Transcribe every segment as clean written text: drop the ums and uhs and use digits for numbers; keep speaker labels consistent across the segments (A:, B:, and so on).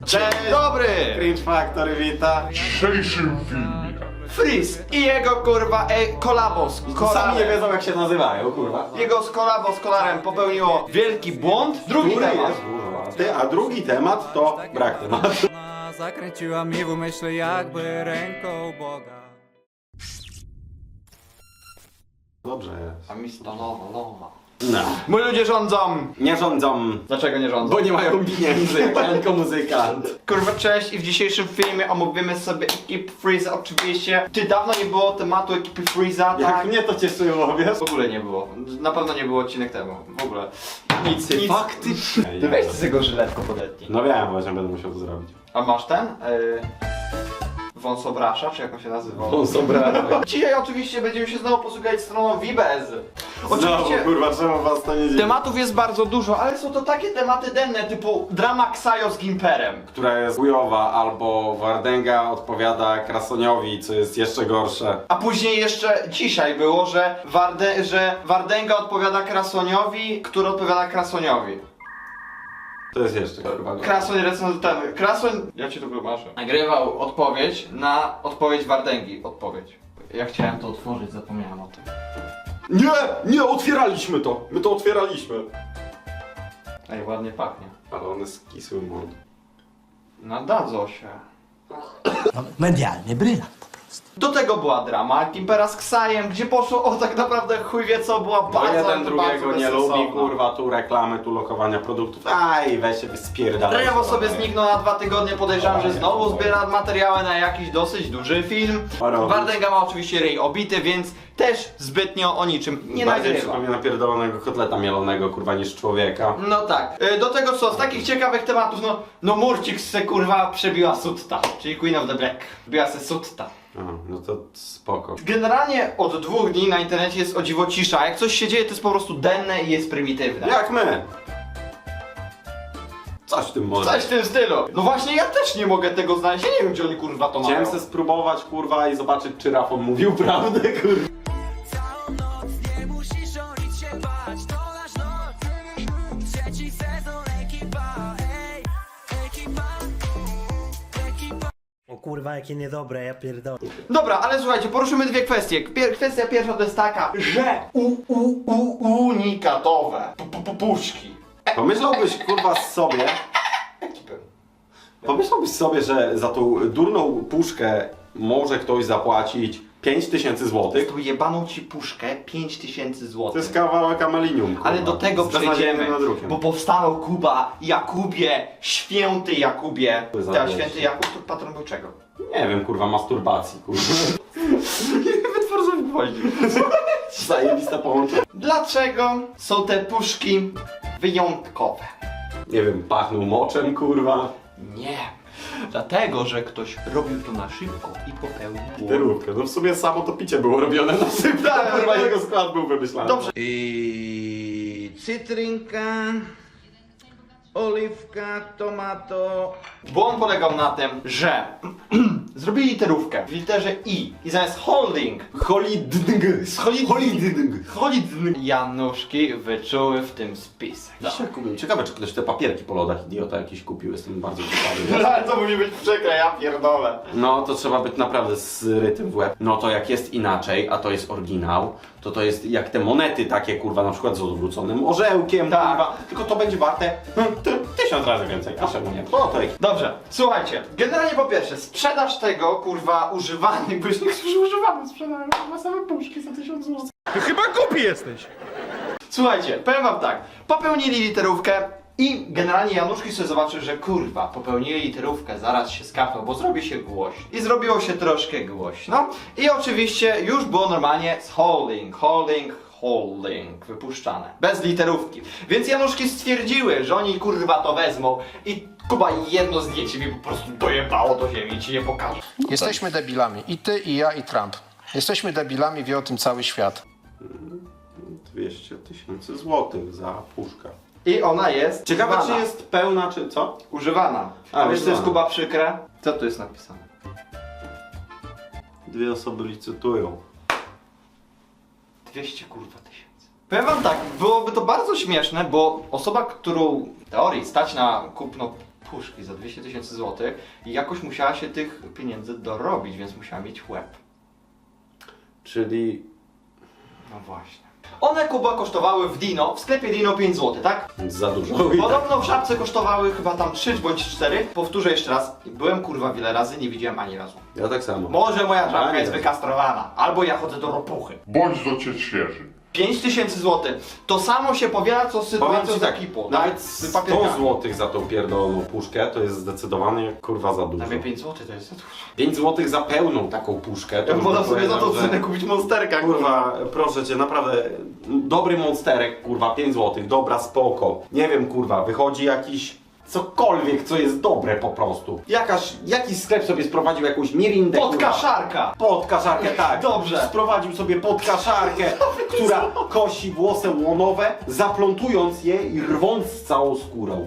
A: Dzień dobry!
B: Cringe Factory wita.
C: W dzisiejszym filmie
A: Freeze i jego kurwa kolabo z
B: Sami nie
A: kolarem.
B: wiedzą jak się nazywają, kurwa.
A: Jego kolabo z kolarem popełniło wielki błąd. Drugi
B: Który
A: temat.
B: jest, kurwa. A drugi temat to brak tematu.
D: Ona zakręciła mi w umyśle jakby ręką Boga.
B: Dobrze jest.
A: A mi stanowo loma.
B: No.
A: Moi ludzie rządzą.
B: Nie rządzą,
A: Dlaczego nie rządzą?
B: bo nie mają pieniędzy, jak tylko muzykant.
A: Kurwa, cześć i w dzisiejszym filmie omówimy sobie ekipę Freeza. Oczywiście, ty dawno nie było tematu ekipy Freeza,
B: Jak
A: tak?
B: mnie to cieszyło, wiesz?
A: W ogóle nie było. Na pewno nie było odcinek temu. W ogóle. Nic.
B: Faktycznie.
A: Ty weź z tego żyletko podetnij.
B: No wiem, właśnie będę musiał to zrobić.
A: A masz ten? Wąsobrasza, czy jak on się nazywa?
B: Wąsobrasza.
A: Dzisiaj oczywiście będziemy się znowu posługiwać stroną Vibez.
B: Znowu,
A: Oczywiście
B: kurwa, czemu was to nie dziwi?
A: tematów jest bardzo dużo, ale są to takie tematy denne typu drama Ksajo z Gimperem.
B: Która jest chujowa, albo Wardęga odpowiada Krasoniowi, co jest jeszcze gorsze.
A: A później jeszcze dzisiaj było, że Wardęga odpowiada Krasoniowi, który odpowiada Krasoniowi.
B: To jest jeszcze kurwa gorsze.
A: Krasoń recenzentany. Krasoń... Ja ci to wybaczę. Nagrywał odpowiedź na odpowiedź Wardęgi. Odpowiedź. Ja chciałem to otworzyć, zapomniałem o tym.
B: Nie, otwieraliśmy to. My to otwieraliśmy.
A: Ej, ładnie pachnie.
B: Ale one skisły mord.
A: Nadadzą się.
E: Medialny brylant.
A: Do tego była drama Gimpera z Ksajem, gdzie poszło o tak naprawdę chuj wie co, była
B: Bo
A: bardzo,
B: jeden drugiego
A: bardzo
B: nie
A: bezsensowna.
B: lubi, kurwa, tu reklamy, tu lokowania produktów. Aj, weź się spierdalaj.
A: Rewo sobie zniknął na 2 tygodnie, podejrzewam, że znowu zbiera materiały na jakiś dosyć duży film.
B: Robić.
A: Wardęga ma oczywiście ryj obity, więc też zbytnio o niczym nie
B: Bardziej
A: nagrywa.
B: przypomina pierdolonego kotleta mielonego, kurwa, niż człowieka.
A: No tak. Do tego co, z takich ciekawych tematów, no Murcik se kurwa przebiła Sutta, czyli Queen of the Black. Biła se Sutta.
B: A, no to spoko.
A: Generalnie od 2 dni na internecie jest o dziwo cisza. Jak coś się dzieje, to jest po prostu denne i jest prymitywne.
B: Jak my? Coś w tym może.
A: Coś w tym stylu. No właśnie, ja też nie mogę tego znaleźć. Ja nie wiem, gdzie oni kurwa to mają.
B: Chciałem se spróbować, kurwa, i zobaczyć, czy Rafon mówił prawdę, kurwa.
D: Całą noc nie musisz o nic się bać, to nasz noc. Trzeci sezon ekipa, ej, ekipa.
E: O kurwa, jakie niedobre, ja pierdolę.
A: Dobra, ale słuchajcie, poruszymy dwie kwestie. Kwestia pierwsza to jest taka, że unikatowe puszki.
B: Pomyślałbyś, kurwa, sobie... Pomyślałbyś sobie, że za tą durną puszkę może ktoś zapłacić 5000 złotych?
A: Tu jebaną ci puszkę 5000 zł.
B: To jest kawałek amelinium, kurwa.
A: Ale do tego
B: Z beznadziejnym
A: przejdziemy,
B: nadrukiem.
A: bo powstawał Kuba, Jakubie, święty Jakubie.
B: To jest
A: Teraz
B: zabawne.
A: święty Jakub to patron był czego?
B: Nie wiem, kurwa, masturbacji, kurwa.
A: Wytwór sobie gwoździ.
B: Zajebiste połączenie.
A: Dlaczego są te puszki wyjątkowe?
B: Nie wiem, pachnął moczem, kurwa.
A: Nie. Dlatego, że ktoś robił to na szybko i popełnił błąd.
B: Literówkę. No w sumie samo to picie było robione na sypce,
A: Tak,
B: kurwa,
A: tak.
B: jego skład był wymyślany.
A: Dobrze. I cytrynka, oliwka, tomato. Błąd polegał na tym, że zrobili literówkę w literze I i zamiast holding
B: Holidng.
A: Holidng Januszki wyczuły w tym spisek.
B: Ciekawe, czy ktoś te papierki po lodach idiota jakiś kupił, jestem bardzo ciekawy.
A: Ale to musi być przykre, ja pierdolę.
B: No to trzeba być naprawdę zrytym w łeb. No to jak jest inaczej, a to jest oryginał, to jest jak te monety takie, kurwa, na przykład z odwróconym orzełkiem,
A: Tak.
B: kurwa, tylko to będzie warte 1000 razy więcej, a czemu nie? To
A: Dobrze, słuchajcie, generalnie po pierwsze, sprzedaż tego, kurwa, używanych, bo już niektórzy używamy sprzedają, kurwa, same puszki za 1000 zł.
C: Ty chyba głupi jesteś!
A: Słuchajcie, powiem wam tak, popełnili literówkę i generalnie Januszki sobie zobaczył, że kurwa, popełnili literówkę, zaraz się skapną, bo zrobi się głośno. I zrobiło się troszkę głośno. I oczywiście już było normalnie z holding wypuszczane, bez literówki. Więc Januszki stwierdziły, że oni kurwa to wezmą i Kuba jedno zdjęcie mi po prostu dojebało do ziemi i ci je pokażę.
F: Jesteśmy debilami. I ty, i ja, i Trump. Jesteśmy debilami, wie o tym cały świat.
B: 200 000 złotych za puszkę.
A: I ona jest
B: Ciekawe,
A: używana.
B: czy jest pełna, czy co?
A: Używana.
B: A,
A: A wiesz co jest,
B: używana.
A: Kuba, przykre? Co tu jest napisane?
B: 2 osoby licytują.
A: 200 kurwa tysięcy. Powiem wam tak, byłoby to bardzo śmieszne, bo osoba, którą w teorii stać na kupno puszki za 200 000 złotych i jakoś musiała się tych pieniędzy dorobić, więc musiała mieć łeb.
B: Czyli
A: No właśnie. One, Kuba, kosztowały w Dino, w sklepie Dino 5 zł, tak?
B: za dużo.
A: Podobno w Żabce kosztowały chyba tam 3 bądź 4. Powtórzę jeszcze raz, byłem kurwa wiele razy, nie widziałem ani razu.
B: Ja tak samo.
A: Może moja
B: A,
A: żabka
B: nie
A: jest
B: wiem.
A: wykastrowana, albo ja chodzę do ropuchy.
C: Bądź do cię świeży.
A: 5000 zł. To samo się powiela co z
B: Powiem
A: sytuacją
B: ci
A: z
B: tak,
A: ekipą.
B: nawet
A: Z
B: 100
A: papierkami.
B: zł za tą pierdoloną puszkę to jest zdecydowanie kurwa za dużo.
A: Dla mnie 5 zł to jest za dużo.
B: 5 zł za pełną taką puszkę. To
A: Ja
B: już
A: wolę
B: bym
A: sobie za to
B: powiedział, że-
A: cenę kupić monsterka, kurwa.
B: Kurwa, proszę cię, naprawdę dobry monsterek, kurwa, 5 zł, dobra, spoko. Nie wiem, kurwa, wychodzi jakiś cokolwiek, co jest dobre po prostu. Jakiś sklep sobie sprowadził jakąś mirindę,
A: Podkaszarka!
B: Podkaszarkę, tak.
A: Dobrze.
B: Sprowadził sobie podkaszarkę, która kosi włosy łonowe, zaplątując je i rwąc z całą skórą.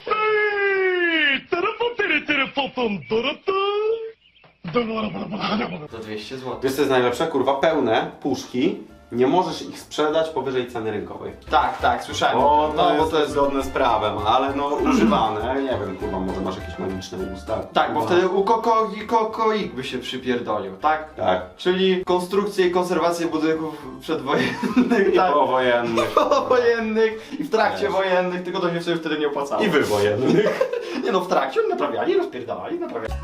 A: Za 200 zł.
B: Wiesz co jest najlepsze? Kurwa, pełne puszki, nie możesz ich sprzedać powyżej ceny rynkowej.
A: Tak, słyszałem.
B: Bo
A: No,
B: bo to jest zgodne z prawem, ale no używane, nie wiem, kurwa, może masz jakieś magiczne usta.
A: Tak, bo
B: Kurwa.
A: wtedy u kokoik by się przypierdolił, tak?
B: Tak.
A: Czyli konstrukcję i konserwację budynków przedwojennych,
B: I
A: tak?
B: powojennych.
A: Wojennych i w trakcie
B: Wiesz.
A: wojennych, tylko to się sobie wtedy nie opłacało.
B: I wywojennych.
A: Nie no, w trakcie oni naprawiali, rozpierdalali, naprawiali.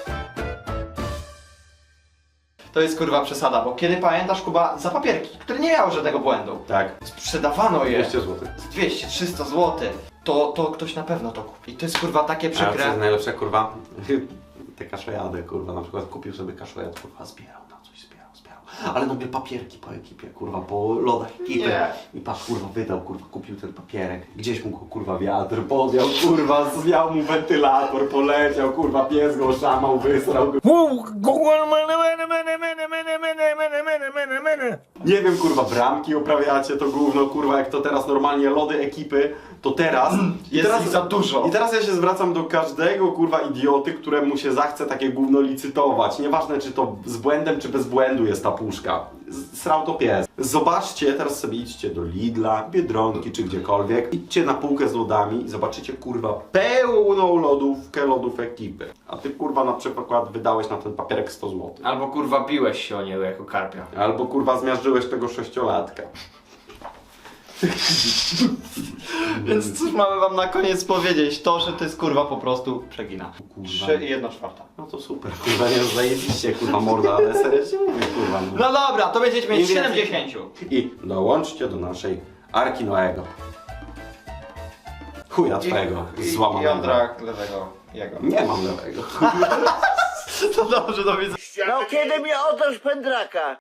A: To jest kurwa przesada, bo kiedy pamiętasz, Kuba, za papierki, które nie miały żadnego błędu,
B: Tak.
A: sprzedawano je
B: 200 zł.
A: z 200-300 zł, to ktoś na pewno to kupi. I to jest kurwa takie
B: A co jest
A: przykre.
B: najlepsze, kurwa? Te kaszojady, kurwa, na przykład kupił sobie kaszojad, kurwa, zbierał na coś, zbierał. Ale no papierki po ekipie, kurwa, po lodach ekipy.
A: Nie.
B: I patrz, kurwa, wydał, kurwa, kupił ten papierek. Gdzieś mu go, kurwa, wiatr podjął, kurwa, zwiał mu wentylator, poleciał, kurwa, pies go szamał, wysrał go. Nie wiem, kurwa, bramki uprawiacie to gówno, kurwa, jak to teraz normalnie lody ekipy, to teraz...
A: Jest
B: teraz
A: ich za dużo.
B: I teraz ja się zwracam do każdego, kurwa, idioty, któremu się zachce takie gówno licytować. Nieważne, czy to z błędem, czy bez błędu jest ta puszka. Srał to pies. Zobaczcie, teraz sobie idźcie do Lidla, Biedronki, czy gdziekolwiek. Idźcie na półkę z lodami i zobaczycie, kurwa, pełną lodów ekipy. A ty, kurwa, na przykład wydałeś na ten papierek 100 zł.
A: Albo kurwa biłeś się o niego jako karpia.
B: Albo, kurwa, zmiażdżyłeś tego 6-latka.
A: Więc cóż mamy wam na koniec powiedzieć? To, że to jest kurwa po prostu przegina.
B: Kurwa.
A: 3 i 1/4.
B: No to super, kurwa, nie zajebiście, kurwa, morda, ale serio ci mówię, kurwa. No.
A: No dobra, to będziecie mieć
B: Im
A: 7
B: więcej-
A: 10.
B: I dołączcie do naszej Arki Noego. Chuja twojego, złamanego.
A: Jądra lewego jego.
B: Nie mam lewego.
A: To dobrze, do widzenia.
G: No kiedy mnie otoż pędraka?